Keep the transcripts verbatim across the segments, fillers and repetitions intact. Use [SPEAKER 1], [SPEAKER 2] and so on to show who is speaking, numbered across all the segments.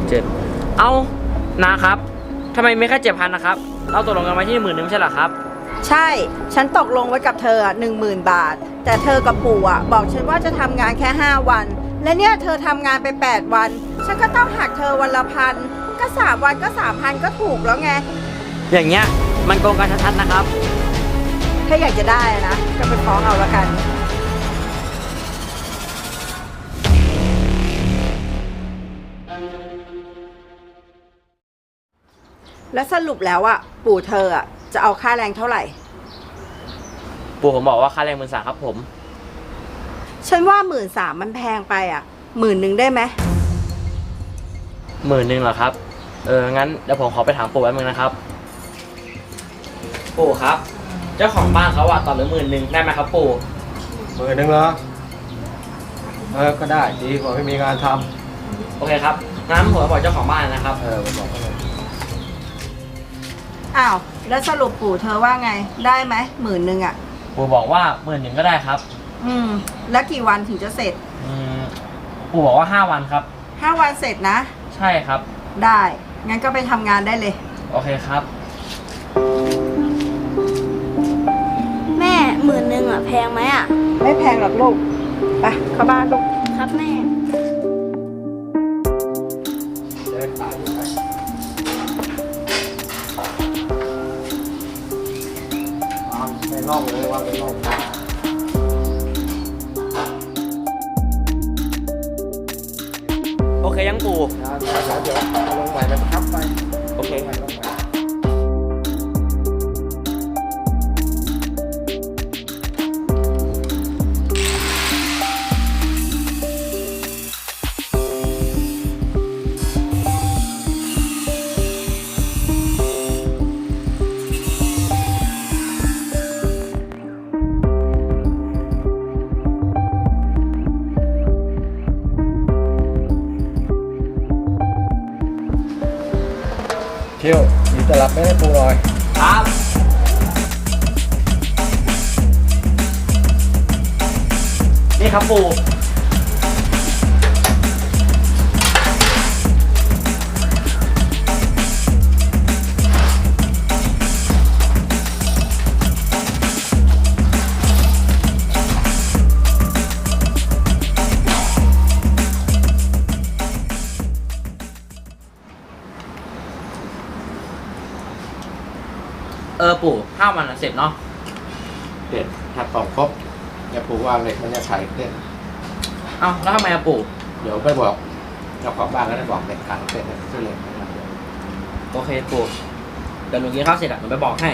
[SPEAKER 1] เจ็ดเอ้านะครับทำไมไม่แค่เจ็ดพันนะครับเราตกลงกันไว้ที่หมื่นหนึ่งไม่ใช่เหรอครับ
[SPEAKER 2] ใช่ฉันตกลงไว้กับเธอหนึ่งหมื่นบาทแต่เธอกับปู่อ่ะบอกฉันว่าจะทำงานแค่ห้าวันและเนี่ยเธอทำงานไปแปดวันฉันก็ต้องหักเธอวันละพันก็สามวันก็สามพันก็ถูกแล้วไง
[SPEAKER 1] อย่างเงี้ยมันโกงกันชัดๆนะครับ
[SPEAKER 2] ถ้าอยากจะได้นะก็ไปฟ้องเอาละกันแล้วสรุปแล้วอ่ะปู่เธออ่ะจะเอาค่าแรงเท่าไหร่
[SPEAKER 1] ปู่ผมบอกว่าค่าแรงหมื่นสามครับผม
[SPEAKER 2] ฉันว่าหมื่นสามมันแพงไปอ่ะหมื่นหนึ่งได้ไหม
[SPEAKER 1] หมื่นหนึ่งเหรอครับเอองั้นเดี๋ยวผมขอไปถามปู่แป๊บนึงนะครับปู่ครับเจ้าของบ้านเขาอะต่อเหลือหมื่นหนึ่งได้ไหมครับปู่
[SPEAKER 3] หมื่นหนึ่งเหรอเออก็ได้ดีกว่าไม่มีงานท
[SPEAKER 1] ำโอเคครับงั้นผมบอกเจ้าของบ้านนะครับ
[SPEAKER 3] เออผมบอกเขาเลย
[SPEAKER 2] อ้าวแล้วสรุปปู่เธอว่าไงได้ไหมหมื่นหนึ่งอ่ะ
[SPEAKER 1] ปู่บอกว่าหมื่นหนึ่งก็ได้ครับ
[SPEAKER 2] อืมแล้วกี่วันถึงจะเสร็จ
[SPEAKER 1] อืมปู่บอกว่าห้าวันครับ
[SPEAKER 2] ห้าวันเสร็จนะ
[SPEAKER 1] ใช่ครับ
[SPEAKER 2] ได้งั้นก็ไปทำงานได้เลย
[SPEAKER 1] โอเคครับ
[SPEAKER 4] แม่หมื่นหนึ่งอ่ะแพงไหมอ่ะ
[SPEAKER 2] ไม่แพงหรอกลูกไปเข้าบ้านลูก
[SPEAKER 4] ครับแม่
[SPEAKER 3] เดินตามไปวางในร่องเลยวางในร่อง
[SPEAKER 1] โอเคยังปู่
[SPEAKER 3] นะเดี๋ยวเดี๋ยวเอาลงใหม่มันทับไป
[SPEAKER 1] โอเค
[SPEAKER 3] ลงใหม่ลงใหม่เที่ยวมีตลับไม่ให้ปูหน่อย
[SPEAKER 1] ครับนี่ครับปู่เออปู่ห้าวันเสร็จเนาะ
[SPEAKER 3] เด็ดถ้าตอกครบอย่าปูวางเหล็กมันจะไขเส้น
[SPEAKER 1] เอ้าแล้วทำไมอะปู่
[SPEAKER 3] เดี๋ยวไปบอกเจ้าของบ้านก็ได้บอกเหล็กขังเส้นเส้นเหล็ก
[SPEAKER 1] โอเคปู่เดี๋ยวหนูกินข้าวเสร็จอะหนูไปบอกให้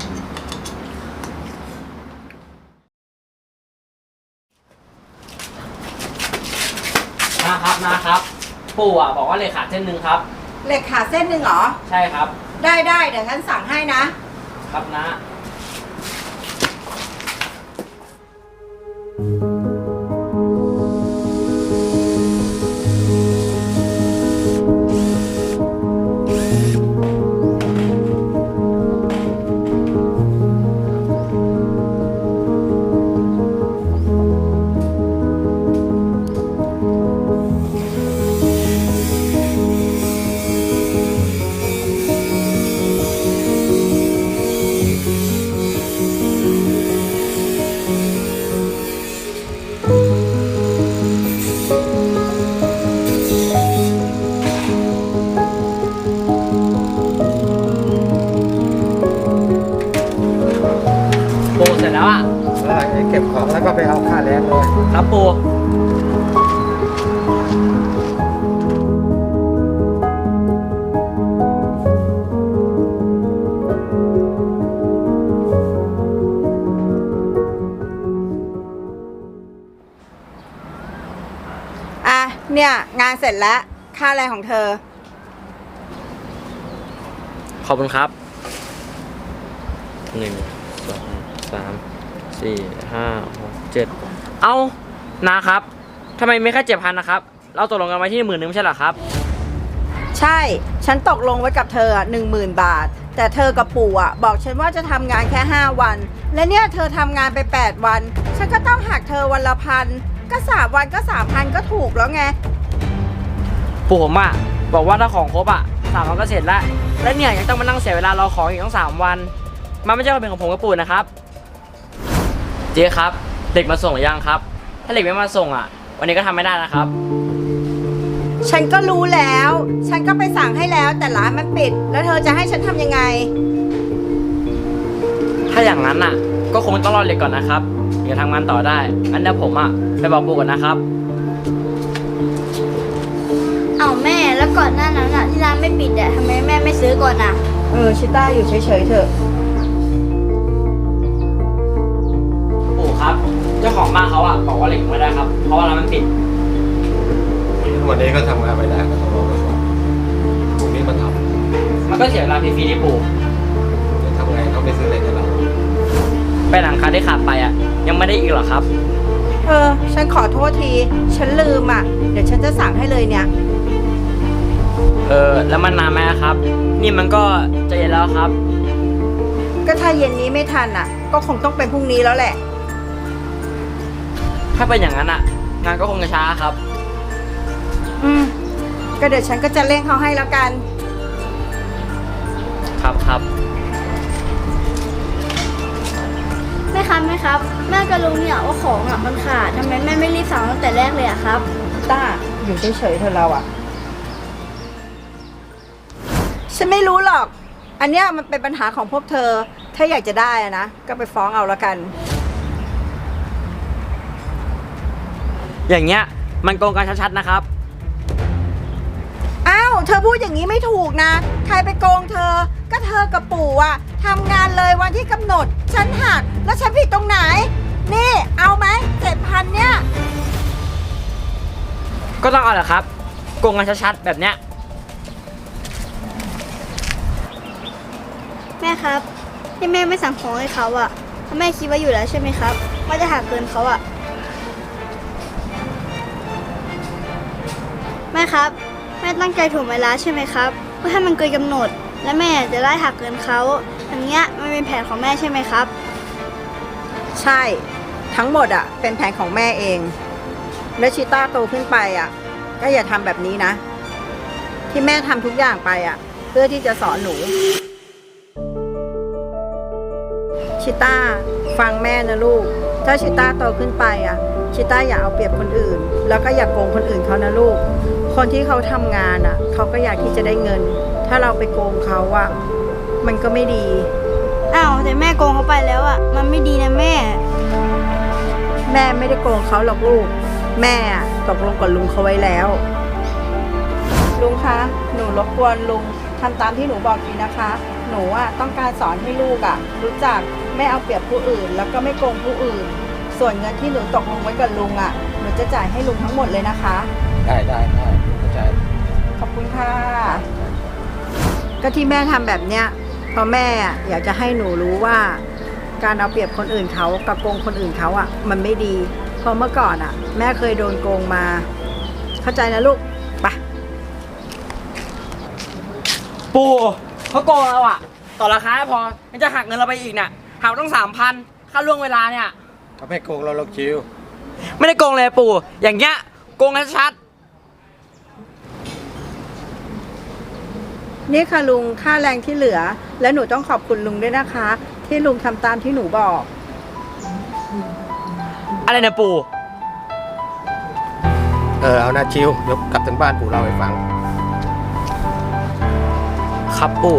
[SPEAKER 1] นะครับนะครับปู่อะบอกว่าเหล็กขาดเส้นหนึ่งครับ
[SPEAKER 2] เหล็กขาดเส้นหนึ่งเหรอ
[SPEAKER 1] ใช่ครับ
[SPEAKER 2] ได้ได้เดี๋ยวฉันสั่งให้นะครับ
[SPEAKER 1] นะเสร็จแล้วอ่ะ
[SPEAKER 3] แล้วเก็บของแล้วก็ไปเอาค่าแรงเลย
[SPEAKER 1] ครับปู่
[SPEAKER 2] อ่ะเนี่ยงานเสร็จแล้วค่าแรงของเธอ
[SPEAKER 1] ขอบคุณครับหนึ่งสองสามสี่ห้าหกเจ็ดเอ้านะครับทำไมไม่แค่เจ็ดพันนะครับเราตกลงกันไว้ที่หมื่นหนึ่งไม่ใช่เหรอครับ
[SPEAKER 2] ใช่ฉันตกลงไว้กับเธอหนึ่งหมื่นบาทแต่เธอกับปู่อ่ะบอกฉันว่าจะทำงานแค่ห้าวันและเนี่ยเธอทำงานไปแปดวันฉันก็ต้องหักเธอวันละพันก็สามวันก็สามพันก็ถูกแล้วไง
[SPEAKER 1] ปู่ผมอะบอกว่าถ้าของครบอ่ะสามวันก็เสร็จแล้วและเนี่ยยังต้องมานั่งเสียเวลารอของอีกตั้งสามวันมันไม่ใช่ความเป็นของผมกับปู่นะครับเจ๊ครับเด็กมาส่งหรือยังครับถ้าเด็กไม่มาส่งอ่ะวันนี้ก็ทำไม่ได้นะครับ
[SPEAKER 2] ฉันก็รู้แล้ว ฉันก็ไปสั่งให้แล้วแต่ร้านมันปิด แล้วเธอจะให้ฉันทำยังไง
[SPEAKER 1] ถ้าอย่างนั้นอ่ะก็คงต้องรอเด็กก่อนนะครับถึงจะทำงานต่อได้อันเดี๋ยวผมอ่ะไปบอกปู่ก่อนนะครับ
[SPEAKER 4] เอาแม่แล้วก่อนหน้านั้นอะที่ร้านไม่ปิดอะทำไมแม่ไม่ซื้อก่อนอะ
[SPEAKER 2] เออชิต้าอยู่เฉยๆเถอะ
[SPEAKER 1] ปู่ครับเจ้าของบ้านเขาอ่ะบอกว่าเหล็กไม่ได้ครับเพราะว่าร้านมันปิด
[SPEAKER 3] วันนี้ก็ทำงานไปได้ก็ต้องรอไปก่อนพรุ่งนี้มาท
[SPEAKER 1] มันก็เสียเวลาฟรีๆที่ปู่
[SPEAKER 3] ำจะทำไงเขาไม่ซื้อเหล็กให้เรา
[SPEAKER 1] ไปหลังคาที่ขาดไปอ่ะยังไม่ได้อีกหรอครับ
[SPEAKER 2] เออ ฉันขอโทษที ฉันลืมอ่ะ เดี๋ยวฉันจะสั่งให้เลยเนี่ย
[SPEAKER 1] เออแล้วมันนานไหมครับ นี่มันก็จะเย็นแล้วครับ
[SPEAKER 2] ก็ถ้าเย็นนี้ไม่ทันอ่ะ ก็คงต้องเป็นพรุ่งนี้แล้วแหละ
[SPEAKER 1] ถ้าเป็นอย่างนั้นอ่ะงานก็คงจะช้าครับ
[SPEAKER 2] อืม ก็เดี๋ยวฉันก็จะเร่งเขาให้แล้วกัน
[SPEAKER 1] ครับครับ
[SPEAKER 4] แม่ครับแม่ครับแม่ก็รู้เนี่ยว่าของอะมันขาดทำไมแม่ไม่รีบสั่งตั้งแต่แรกเลยอะครับ
[SPEAKER 2] ต้า อยู่เฉยๆเธอเราอ่ะ ฉันไม่รู้หรอก อันเนี้ยมันเป็นปัญหาของพวกเธอ ถ้าอยากจะได้อะนะ ก็ไปฟ้องเอาละกัน
[SPEAKER 1] อย่างเงี้ยมันโกงกันชัดๆนะครับ
[SPEAKER 2] อ้าว เธอพูดอย่างนี้ไม่ถูกนะ ใครไปโกงเธอ ก็เธอกับปู่อะทำงานเลยวันที่กำหนด ฉันหัก แล้วฉันผิดตรงไหน นี่ เอาไหมเจ็ดพันเนี่ย
[SPEAKER 1] ก็ต้องเอาแหละครับโกงกันชัดๆแบบเนี้ย
[SPEAKER 4] แม่ครับที่แม่ไม่สั่งของให้เขาอะเพราะแม่คิดว่าอยู่แล้วใช่ไหมครับว่าจะหักเกินเขาอะแม่ครับแม่ตั้งใจถ่วงเวลาใช่ไหมครับเพื่อให้มันเกินกำหนด และแม่จะได้หักเกินเขาอย่างเงี้ยมันเป็นแผนของแม่ใช่ไหมครับ
[SPEAKER 2] ใช่ ทั้งหมดอะเป็นแผนของแม่เอง แล้วชิต้าโตขึ้นไปอะก็อย่าทำแบบนี้นะ ที่แม่ทำทุกอย่างไปอะเพื่อที่จะสอนหนู ชิต้าฟังแม่นะลูก ถ้าชิต้าโตขึ้นไปอะชิต้าอย่าเอาเปรียบคนอื่น แล้วก็อย่าโกงคนอื่นเขานะลูก คนที่เขาทำงานอะเขาก็อยากที่จะได้เงิน ถ้าเราไปโกงเขาอะมันก็ไม่ดี
[SPEAKER 4] อ้าวแต่แม่โกงเขาไปแล้วอะมันไม่ดีนะแม่
[SPEAKER 2] แม่ไม่ได้โกงเขาหรอกลูก แม่อะตกลงกับลุงเขาไว้แล้ว ลุงคะ หนูรบกวนลุงทำตามที่หนูบอกทีนะคะ หนูอะต้องการสอนให้ลูกอะรู้จักไม่เอาเปรียบผู้อื่น แล้วก็ไม่โกงผู้อื่น ส่วนเงินที่หนูตกลงไว้กับลุงอะหนูจะจ่ายให้ลุงทั้งหมดเลยนะคะ
[SPEAKER 3] ได้ได้ได้เข้าใจ
[SPEAKER 2] ขอบคุณค่ะ ก็ที่แม่ทำแบบเนี้ยเพราะแม่อะอยากจะให้หนูรู้ว่า การเอาเปรียบคนอื่นเขากับโกงคนอื่นเขาอ่ะ มันไม่ดี เพราะเมื่อก่อนอ่ะ แม่เคยโดนโกงมา เข้าใจนะลูกไป
[SPEAKER 1] ปู่เขาโกงเราอ่ะต่อราคาไม่พอมันจะหักเงินเราไปอีกเนี่ยหักต้องสามพันค่าล่วงเวลาเนี่ย
[SPEAKER 3] เขาไม่โกงเราหรอกชิว
[SPEAKER 1] ไม่ได้โกงเลยปู่ อย่างเงี้ยโกงกันชัด
[SPEAKER 2] นี่ค่ะลุงค่าแรงที่เหลือ และหนูต้องขอบคุณลุงด้วยนะคะ ที่ลุงทำตามที่หนูบอก
[SPEAKER 1] อะไรเนี่ยปู่
[SPEAKER 3] เออเอานะชิวเดี๋ยวกลับถึงบ้านปู่เราให้ฟัง
[SPEAKER 1] ครับปู่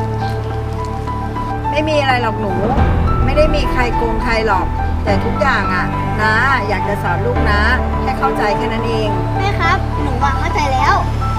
[SPEAKER 2] ไม่มีอะไรหรอกหนู ไม่ได้มีใครโกงใครหรอก แต่ทุกอย่างอ่ะนะอยากจะสอนลูกนะให้เข้าใจแค่นั้นเอง
[SPEAKER 4] แม่ครับหนูวางเข้าใจแล้ว
[SPEAKER 2] ค